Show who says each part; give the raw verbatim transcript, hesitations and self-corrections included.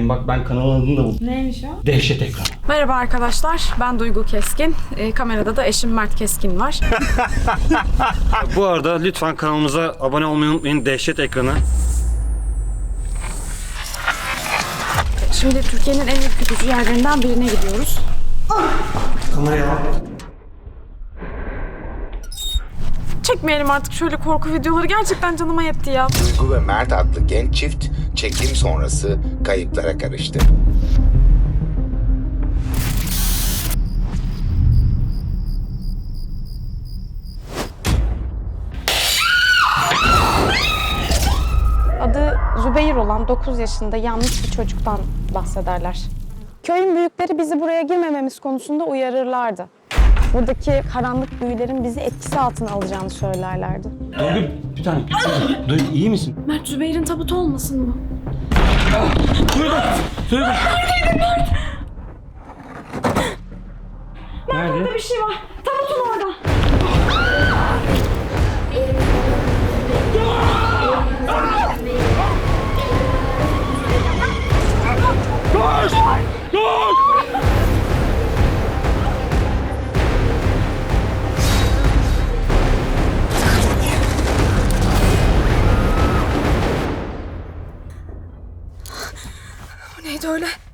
Speaker 1: söyleyeyim. Bak ben kanalın adını da buldum.
Speaker 2: Neymiş o?
Speaker 1: Dehşet Ekranı.
Speaker 2: Merhaba arkadaşlar, ben Duygu Keskin. E, kamerada da eşim Mert Keskin var.
Speaker 1: Bu arada lütfen kanalımıza abone olmayı unutmayın. Dehşet Ekranı.
Speaker 2: Şimdi Türkiye'nin en ürkütücü yerlerinden birine gidiyoruz.
Speaker 1: Kameraya al.
Speaker 2: Çekmeyelim artık şöyle korku videoları. Gerçekten canıma yetti ya.
Speaker 3: Duygu ve Mert adlı genç çift çekim sonrası kayıplara karıştı.
Speaker 2: Adı Zübeyir olan dokuz yaşında yanlış bir çocuktan bahsederler. Köyün büyükleri bizi buraya girmememiz konusunda uyarırlardı. Buradaki karanlık büyülerin bizi etkisi altına alacağını söylerlerdi.
Speaker 1: Duygu bir tane. Duygu iyi misin?
Speaker 2: Mert, Zübeyir'in tabutu olmasın bu?
Speaker 1: Duygu! Duygu!
Speaker 2: Mert, orada bir şey var. Tabutun orada.
Speaker 1: Koş! Koş!
Speaker 2: Bu neydi öyle?